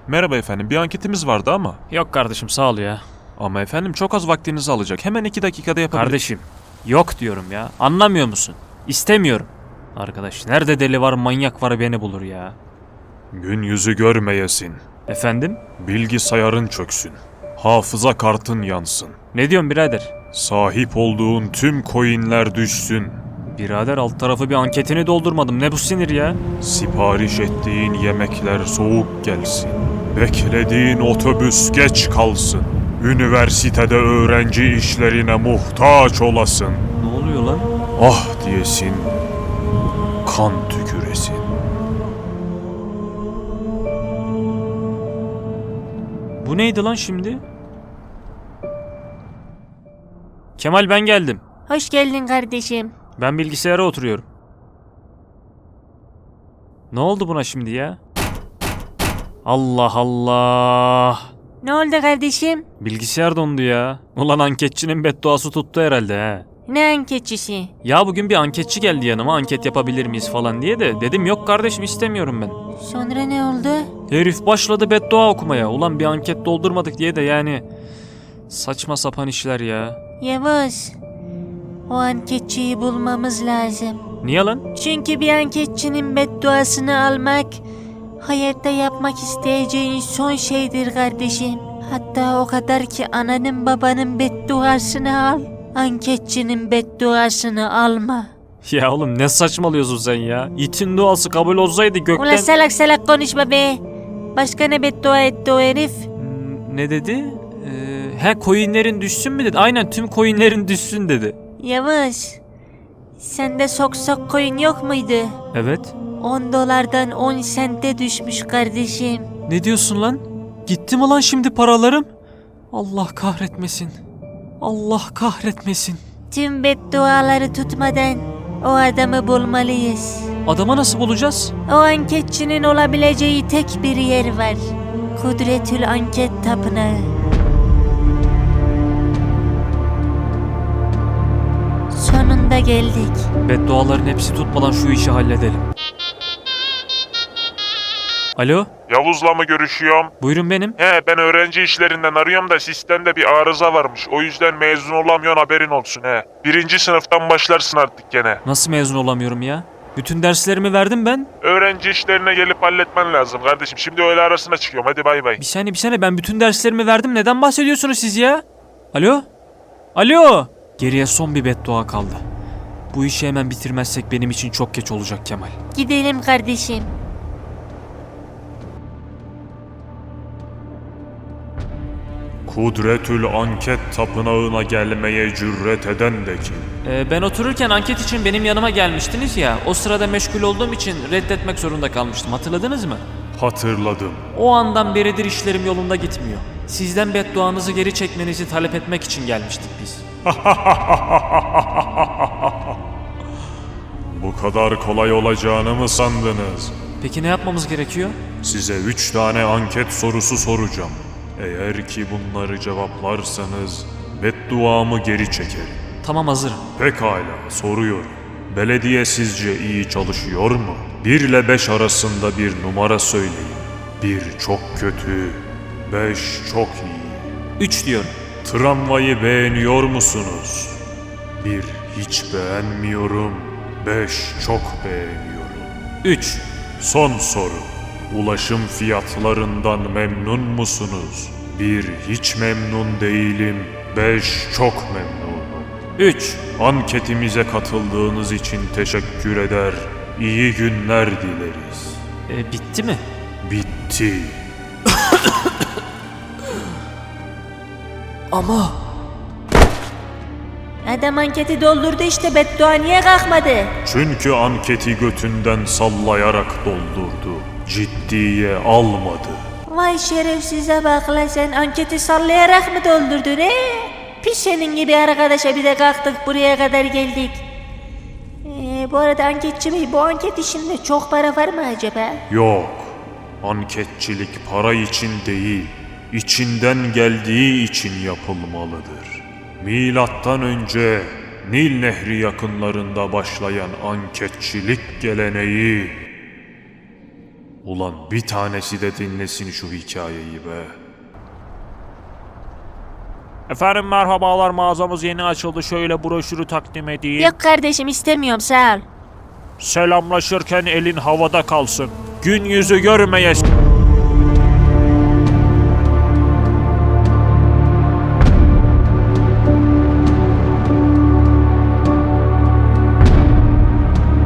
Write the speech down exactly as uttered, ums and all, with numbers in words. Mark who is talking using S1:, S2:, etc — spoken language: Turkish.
S1: Merhaba efendim, bir anketimiz vardı ama.
S2: Yok kardeşim, sağ ol ya.
S1: Ama efendim çok az vaktinizi alacak. Hemen iki dakikada yapabilir.
S2: Kardeşim, yok diyorum ya. Anlamıyor musun? İstemiyorum. Arkadaş, nerede deli var, manyak var beni bulur ya.
S1: Gün yüzü görmeyesin.
S2: Efendim?
S1: Bilgisayarın çöksün. Hafıza kartın yansın.
S2: Ne diyorsun birader?
S1: Sahip olduğun tüm coinler düşsün.
S2: Birader, alt tarafı bir anketini doldurmadım. Ne bu sinir ya?
S1: Sipariş ettiğin yemekler soğuk gelsin. Beklediğin otobüs geç kalsın. Üniversitede öğrenci işlerine muhtaç olasın.
S2: Ne oluyor lan?
S1: Ah diyesin, kan tüküresin.
S2: Bu neydi lan şimdi? Kemal, ben geldim.
S3: Hoş geldin kardeşim.
S2: Ben bilgisayara oturuyorum. Ne oldu buna şimdi ya? Allah Allah.
S3: Ne oldu kardeşim?
S2: Bilgisayar dondu ya. Ulan anketçinin bedduası tuttu herhalde he.
S3: Ne anketçisi?
S2: Ya bugün bir anketçi geldi yanıma, anket yapabilir miyiz falan diye de dedim yok kardeşim, istemiyorum ben.
S3: Sonra ne oldu?
S2: Herif başladı beddua okumaya. Ulan bir anket doldurmadık diye de yani saçma sapan işler ya.
S3: Yavuz, o anketçiyi bulmamız lazım.
S2: Niye lan?
S3: Çünkü bir anketçinin bedduasını almak hayatta yapmak isteyeceğin son şeydir kardeşim. Hatta o kadar ki ananın babanın bedduasını al, anketçinin bedduasını alma.
S2: Ya oğlum ne saçmalıyorsun sen ya? İtin duası kabul olsaydı gökten...
S3: Ulan salak salak konuşma be. Başka ne beddua etti o herif?
S2: Hmm, Ne dedi? Ee, he coinlerin düşsün mü dedi? Aynen, tüm coinlerin düşsün dedi.
S3: Yavuz, sende sok sok coin yok muydu?
S2: Evet.
S3: on dolardan on sente düşmüş kardeşim.
S2: Ne diyorsun lan? Gitti mi lan şimdi paralarım? Allah kahretmesin. Allah kahretmesin.
S3: Tüm bedduaları tutmadan o adamı bulmalıyız.
S2: Adama nasıl bulacağız?
S3: O anketçinin olabileceği tek bir yer var. Kudretül Anket Tapınağı. Sonunda geldik.
S2: Bedduaların hepsi tutmadan şu işi halledelim. Alo?
S4: Yavuz'la mı görüşüyorum?
S2: Buyurun, benim.
S4: He, ben öğrenci işlerinden arıyorum da sistemde bir arıza varmış. O yüzden mezun olamıyorsun, haberin olsun he. Birinci sınıftan başlarsın artık gene.
S2: Nasıl mezun olamıyorum ya? Bütün derslerimi verdim ben.
S4: Öğrenci işlerine gelip halletmen lazım kardeşim. Şimdi öğle arasına çıkıyorum, hadi bay bay.
S2: Bir saniye bir saniye, ben bütün derslerimi verdim. Neden bahsediyorsunuz siz ya? Alo? Alo? Geriye son bir beddua kaldı. Bu işi hemen bitirmezsek benim için çok geç olacak Kemal.
S3: Gidelim kardeşim.
S1: Kudretül Anket Tapınağı'na gelmeye cüret eden de kim?
S2: Ee, ben otururken anket için benim yanıma gelmiştiniz ya. O sırada meşgul olduğum için reddetmek zorunda kalmıştım. Hatırladınız mı?
S1: Hatırladım.
S2: O andan beridir işlerim yolunda gitmiyor. Sizden bedduanızı geri çekmenizi talep etmek için gelmiştik biz.
S1: Bu kadar kolay olacağını mı sandınız?
S2: Peki ne yapmamız gerekiyor?
S1: Size üç tane anket sorusu soracağım. Eğer ki bunları cevaplarsanız bedduamı geri çekerim.
S2: Tamam, hazırım.
S1: Pekala, soruyorum. Belediye sizce iyi çalışıyor mu? bir ile beş arasında bir numara söyleyin. bir çok kötü, beş çok iyi.
S2: Üç diyorum.
S1: Tramvayı beğeniyor musunuz? bir hiç beğenmiyorum, beş çok beğeniyorum.
S2: Üç.
S1: Son soru. Ulaşım fiyatlarından memnun musunuz? bir hiç memnun değilim, beş çok memnunum.
S2: Üç.
S1: Anketimize katıldığınız için teşekkür eder, iyi günler dileriz.
S2: E, bitti mi?
S1: Bitti.
S2: Ama...
S3: Adam anketi doldurdu işte, beddua niye kalkmadı?
S1: Çünkü anketi götünden sallayarak doldurdu. Ciddiye almadı.
S3: Vay şerefsize bak la, sen anketi sallayarak mı doldurdun he? Pis senin gibi arkadaşa bir de kalktık buraya kadar geldik. Ee, bu arada anketçi bey, bu anket işinde çok para var mı acaba?
S1: Yok. Anketçilik para için değil, içinden geldiği için yapılmalıdır. Milattan önce Nil Nehri yakınlarında başlayan anketçilik geleneği Ulan bir tanesi de dinlesin şu hikayeyi be.
S2: Efendim merhabalar, mağazamız yeni açıldı, şöyle broşürü takdim edeyim.
S3: Yok kardeşim istemiyorum sağ ol.
S2: Selamlaşırken elin havada kalsın. Gün yüzü görmeye